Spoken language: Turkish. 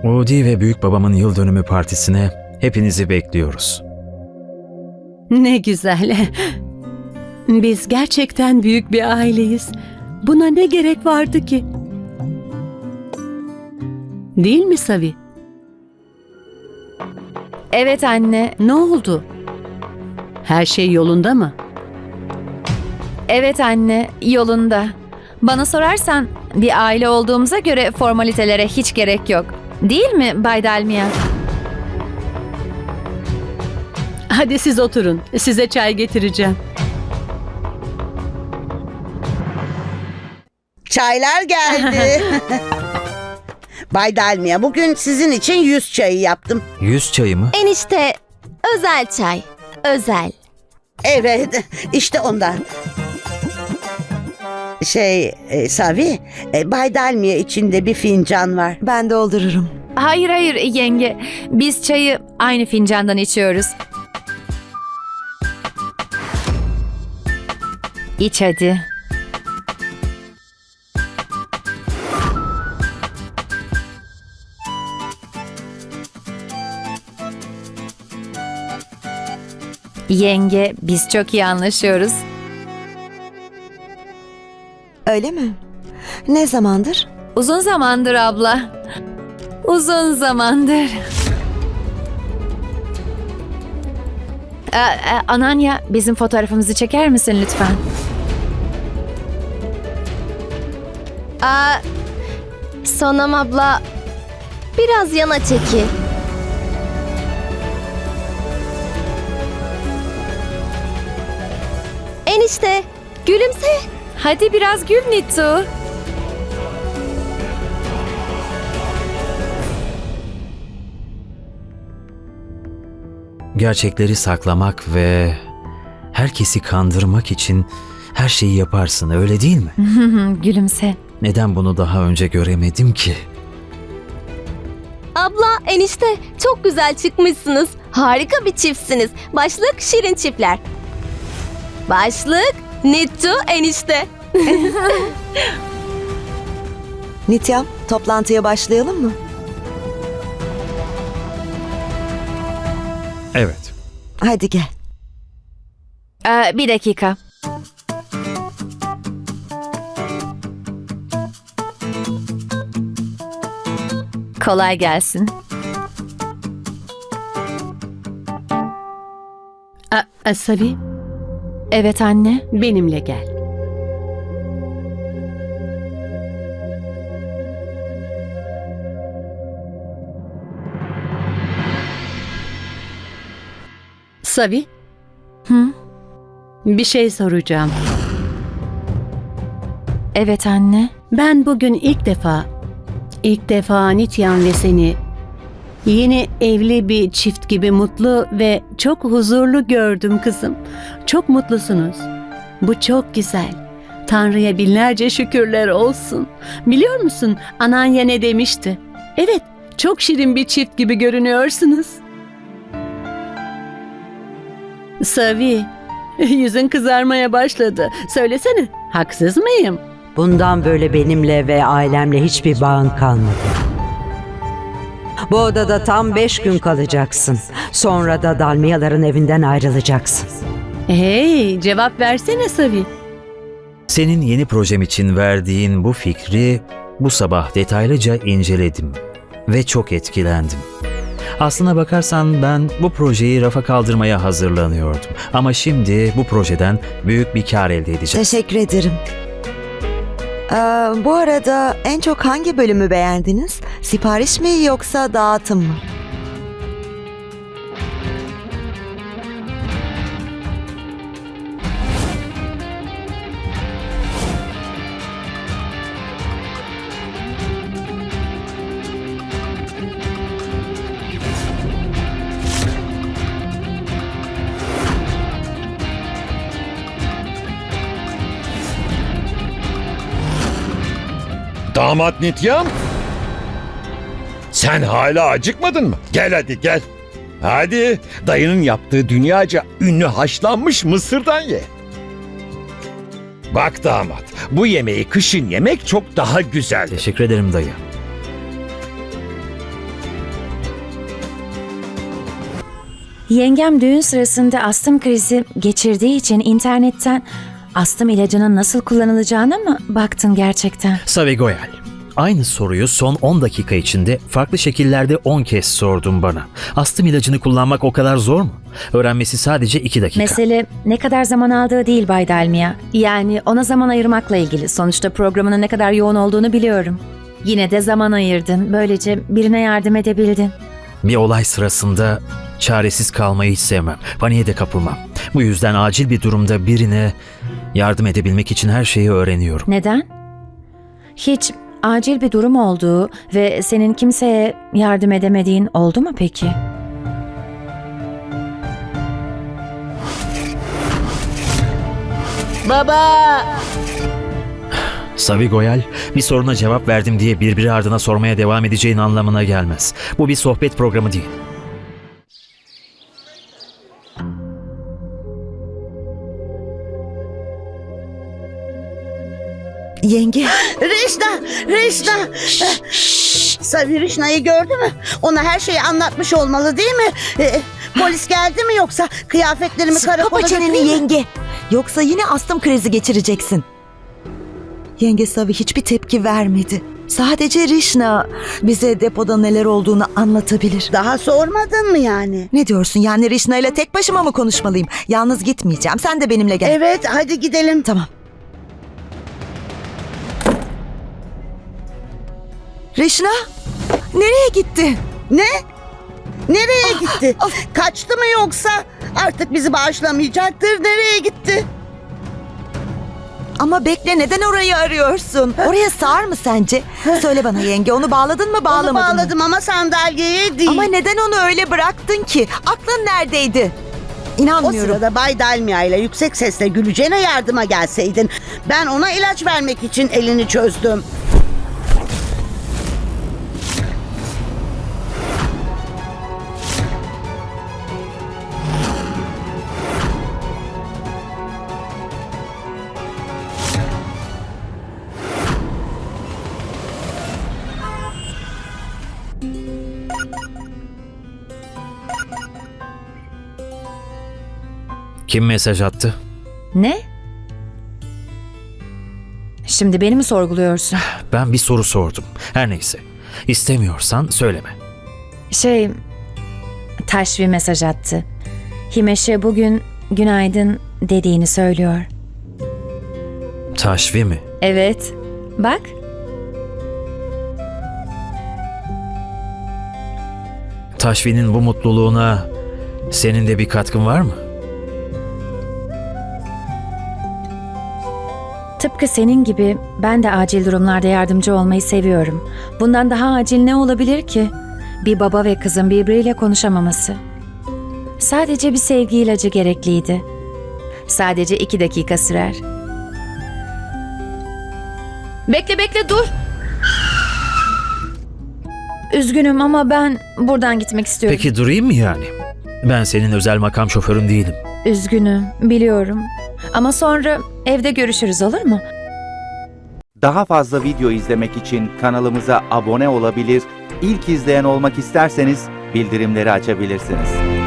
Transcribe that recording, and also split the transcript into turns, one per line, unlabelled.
Udi ve büyük babamın yıl dönümü partisine hepinizi bekliyoruz.
Ne güzel. Biz gerçekten büyük bir aileyiz. Buna ne gerek vardı ki? Değil mi Savi?
Evet anne.
Ne oldu? Her şey yolunda mı?
Evet anne, yolunda. Bana sorarsan bir aile olduğumuza göre formalitelere hiç gerek yok. Değil mi Bay Dalmia?
Hadi siz oturun. Size çay getireceğim.
Çaylar geldi. Bay Dalmia, bugün sizin için 100 çayı yaptım.
100 çayı mı?
Enişte, özel çay. Özel.
Evet, işte ondan. Savi, Bay Dalmia içinde bir fincan var.
Ben doldururum.
Hayır hayır yenge. Biz çayı aynı fincandan içiyoruz. İç hadi. Yenge, biz çok iyi anlaşıyoruz.
Öyle mi? Ne zamandır?
Uzun zamandır abla. Uzun zamandır. Ananya, bizim fotoğrafımızı çeker misin lütfen?
Sonam abla, biraz yana çekil. Enişte, gülümse.
Hadi biraz gül Nittu.
Gerçekleri saklamak ve herkesi kandırmak için her şeyi yaparsın, öyle değil mi?
Gülümse.
Neden bunu daha önce göremedim ki?
Abla, enişte, çok güzel çıkmışsınız. Harika bir çiftsiniz. Başlık Şirin Çiftler. Başlık Nittu enişte.
Nityam, toplantıya başlayalım mı?
Evet.
Hadi gel.
Bir dakika. Kolay gelsin.
Savi,
Evet anne.
benimle gel. Savi,
Hı?
bir şey soracağım.
Evet anne.
Ben bugün ilk defa Nityan ve seni yeni evli bir çift gibi mutlu ve çok huzurlu gördüm kızım. Çok mutlusunuz. Bu çok güzel. Tanrı'ya binlerce şükürler olsun. Biliyor musun Ananya ne demişti? Evet, çok şirin bir çift gibi görünüyorsunuz. Savi, yüzün kızarmaya başladı. Söylesene, haksız mıyım?
Bundan böyle benimle ve ailemle hiçbir bağın kalmadı. Bu odada tam 5 gün kalacaksın. Sonra da Dalmiyaların evinden ayrılacaksın.
Hey, cevap versene Savi.
Senin yeni projem için verdiğin bu fikri bu sabah detaylıca inceledim ve çok etkilendim. Aslına bakarsan ben bu projeyi rafa kaldırmaya hazırlanıyordum. Ama şimdi bu projeden büyük bir kar elde edeceğim.
Teşekkür ederim. Bu arada en çok hangi bölümü beğendiniz? Sipariş mi yoksa dağıtım mı?
Damat Nityam? Sen hala acıkmadın mı? Gel hadi gel. Hadi dayının yaptığı dünyaca ünlü haşlanmış mısırdan ye. Bak damat, bu yemeği kışın yemek çok daha güzel.
Teşekkür ederim dayı.
Yengem düğün sırasında astım krizi geçirdiği için internetten astım ilacının nasıl kullanılacağına mı baktın gerçekten?
Savi Goyal, aynı soruyu son 10 dakika içinde farklı şekillerde 10 kez sordun bana. Astım ilacını kullanmak o kadar zor mu? Öğrenmesi sadece 2 dakika.
Mesele ne kadar zaman aldığı değil Bay Dalmia. Yani ona zaman ayırmakla ilgili. Sonuçta programının ne kadar yoğun olduğunu biliyorum. Yine de zaman ayırdın. Böylece birine yardım edebildin.
Bir olay sırasında çaresiz kalmayı hiç sevmem. Paniğe de kapılmam. Bu yüzden acil bir durumda birine yardım edebilmek için her şeyi öğreniyorum.
Neden? Hiç acil bir durum olduğu ve senin kimseye yardım edemediğin oldu mu peki?
Baba!
Savi Goyal, bir soruna cevap verdim diye birbiri ardına sormaya devam edeceğin anlamına gelmez. Bu bir sohbet programı değil.
Yenge,
Rişna! Savi Rişna'yı gördü mü? Ona her şeyi anlatmış olmalı değil mi? Polis geldi mi yoksa kıyafetlerimi karakola
kapa çeneni
götüreyim mi?
yenge. Yoksa yine astım krizi geçireceksin. Yenge Savi hiçbir tepki vermedi. Sadece Rişna bize depoda neler olduğunu anlatabilir.
Daha sormadın mı yani?
Ne diyorsun, yani Rişna ile tek başıma mı konuşmalıyım? Yalnız gitmeyeceğim, sen de benimle gel.
Evet, hadi gidelim.
Tamam. Rişna, nereye gitti?
Ne? Nereye gitti? Kaçtı mı yoksa? Artık bizi bağışlamayacaktır. Nereye gitti?
Ama bekle, neden orayı arıyorsun? Oraya sığar mı sence? Söyle bana yenge, onu bağladın mı
Onu
bağlamadın mı?
bağladım ama sandalyeye değil.
Ama neden onu öyle bıraktın ki? Aklın neredeydi?
O
İnanmıyorum.
sırada Bay Dalmia ile yüksek sesle güleceğine yardıma gelseydin. Ben ona ilaç vermek için elini çözdüm.
Kim mesaj attı?
Ne? Şimdi beni mi sorguluyorsun?
Ben bir soru sordum. Her neyse. İstemiyorsan söyleme.
Taşvi mesaj attı. Himeş'e bugün günaydın dediğini söylüyor.
Taşvi mi?
Evet. Bak.
Taşvi'nin bu mutluluğuna senin de bir katkın var mı?
Tıpkı senin gibi ben de acil durumlarda yardımcı olmayı seviyorum. Bundan daha acil ne olabilir ki? Bir baba ve kızın birbiriyle konuşamaması. Sadece bir sevgi ilacı gerekliydi. Sadece 2 dakika sürer. Bekle dur. Üzgünüm ama ben buradan gitmek istiyorum.
Peki durayım mı yani? Ben senin özel makam şoförün değilim.
Üzgünüm, biliyorum. Ama sonra evde görüşürüz, olur mu?
Daha fazla video izlemek için kanalımıza abone olabilir, ilk izleyen olmak isterseniz bildirimleri açabilirsiniz.